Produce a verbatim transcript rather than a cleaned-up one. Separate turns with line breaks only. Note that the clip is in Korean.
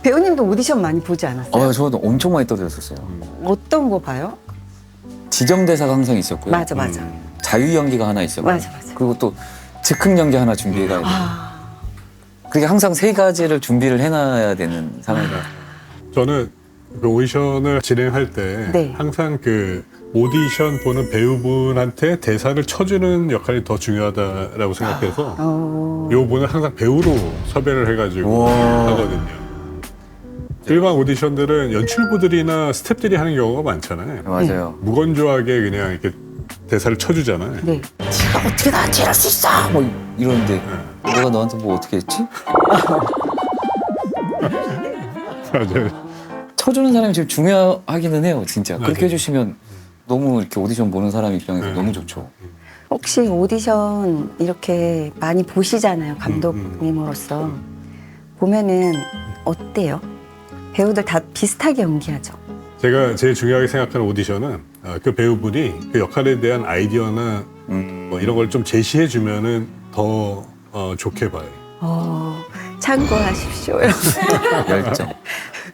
배우님도 오디션 많이 보지 않았어요?
어, 저도 엄청 많이 떠들었었어요.
어떤 거 봐요?
지정 대사가 항상 있었고요.
맞아, 맞아.
음, 자유 연기가 하나 있었고,
맞아, 맞아.
그리고 또 즉흥 연기 하나 준비해가야 돼요.
아,
그게 항상 세 가지를 준비를 해놔야 되는 상황이에요.
저는 그 오디션을 진행할 때
네.
항상 그 오디션 보는 배우분한테 대사를 쳐주는 역할이 더 중요하다라고 생각해서
어,
요 분은 항상 배우로 섭외를 해가지고
우와.
하거든요. 일반 오디션들은 연출부들이나 스태프들이 하는 경우가 많잖아요.
맞아요.
무건조하게 그냥 이렇게 대사를 쳐주잖아요.
네.
네가 어떻게 나 제일 할 수 있어! 뭐 이러는데 내가 너한테 뭐 어떻게 했지?
맞아요.
쳐주는 사람이 제일 중요하기는 해요, 진짜. 그렇게
맞아요.
해주시면 너무 이렇게 오디션 보는 사람 입장에서
네.
너무 좋죠.
혹시 오디션 이렇게 많이 보시잖아요, 감독님으로서. 보면은 어때요? 배우들 다 비슷하게 연기하죠?
제가 제일 중요하게 생각하는 오디션은 어, 그 배우분이 그 역할에 대한 아이디어나
음.
뭐 이런 걸 좀 제시해 주면은 더 어, 좋게 봐요.
어, 참고하십시오.
열정.